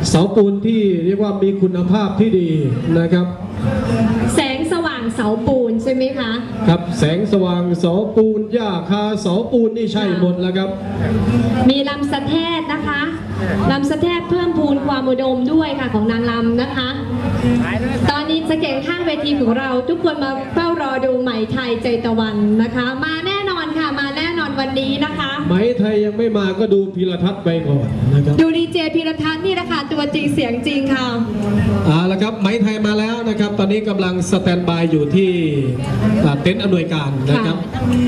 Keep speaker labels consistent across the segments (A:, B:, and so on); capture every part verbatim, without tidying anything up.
A: เสาปูนที่เรียกว่ามีคุณภาพที่ดีนะครับ
B: แสงสว่างเสาปูนใช่ไหมคะ
A: ครับแสงสว่างเสาปูนหญ้าคาเสาปูนนี่ใช่หมดแล้วครับ
B: มีลำสะแทกนะคะลำสะแทกเพิ่มพูนความอุดมด้วยค่ะของนางลำนะคะตอนนี้จะเก่งข้างเวทีของเราทุกคนมาเฝ้ารอดูไหมไทยใจตะวันนะคะมาแน่นอนค่ะมาแน่นอนวันนี้นะคะ
A: ไหมไทยยังไม่มาก็ดูพีรทัศน์ไปก่อนนะครับ
B: ดูดีเจพีรทัศน์นี่นะคะตัวจริงเสียงจริงค่ะ
A: อ่าแล้วครับไหมไทยมาแล้วนะครับตอนนี้กำลังสแตนบายอยู่ที่เต็นท์อำนวยการนะครับ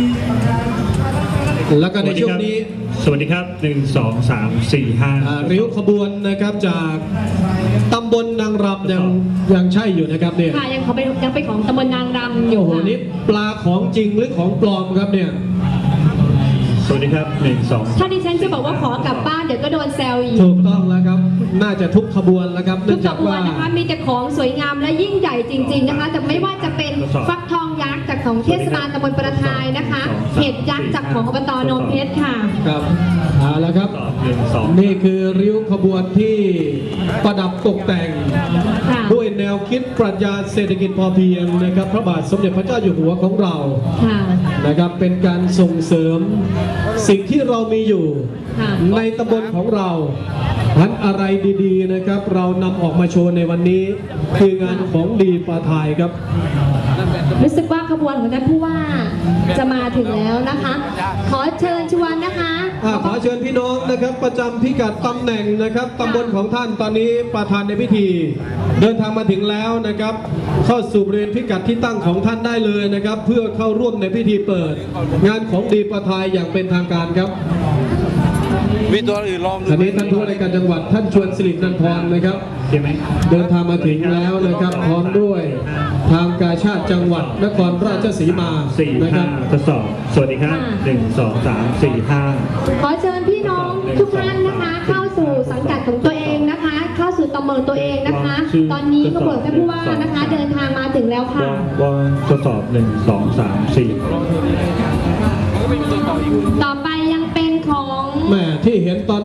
A: แล้วก็ในช่วงนี้
C: สวัสดีครับหนึ่งสองสามสี่ห้า
A: ริ้วขบวนนะครับจากตำบลนางรำยังยังใช่อยู่นะครับเนี่ย
B: ค่ะยังเขาไปยังไปของตำบลนางรำอยู่
A: โอ้โหนี่ปลาของจริงหรือของปลอมครับเนี่ย
C: สวัสดีครับหนึ่งสอง
B: ถ้าดิฉันจะบอกว่าขอกลับบ้านเดี๋ยวก็โดนแซวอีก
A: ถูกต้องแล้วครับน่าจะทุกขบวนแล้วครับ
B: ทุกขบวนนะคะมีแต่ของสวยงามและยิ่งใหญ่จริงๆนะคะแต่ไม่ว่าจะเป็นฟักทองยักษ์จากของเทศบาลตำบลประทายนะคะเห็ดยักษ์จากของอบตโนนเพชรค่ะ
A: ครับเอาละครับนี่คือริ้วขบวนที่ประดับตกแต่งด้วยแนวคิดปรัชญาเศรษฐกิจพอเพียงนะครับพระบาทสมเด็จพระเจ้าอยู่หัวของเรานะครับเป็นการส่งเสริมสิ่งที่เรามีอยู่ในตำบลของเราพันอะไรดีๆนะครับเรานำออกมาโชว์ในวันนี้คืองานของดีปาทายครับ
B: รู้สึกว่าขบวนของท่านผู้ว่าจะมาถึงแล้วนะคะขอเชิญชวนนะคะ
A: ขอเชิญพี่น้องนะครับประจำพิกัดตำแหน่งนะครับตำบลของท่านตอนนี้ประธานในพิธีเดินทางมาถึงแล้วนะครับเข้าสู่บริเวณพิกัดที่ตั้งของท่านได้เลยนะครับเพื่อเข้าร่วมในพิธีเปิดงานของดีปาทายอย่างเป็นทางการครับ
D: มีตัวอื่นลอง
A: อันนี้ท่านผู้ว่าราชการจังหวัดท่านชวนสิรินันทรนะครับเดินทางมาถึงแล้วนะครับพร้อมด้วยทางกาชาติจังหวัดนครราชสีมา
C: สี่ห้าทดสอบสวัสดีครับหนึ่งสองสามสี่ห้า
B: ขอเชิญพี่น้องทุกท่านนะคะเข้าสู่สังกัดของตัวเองนะคะเข้าสู่ตำแหน่งตัวเองนะคะตอนนี้ขบวนท่านผู้ว่านะคะเดินทางมาถึงแล้วค่ะ
C: ว่าทดสอบหนึ่งสองสามสี่
B: ต่อไปยังเป็นของ
A: แม่ที่เห็นตอน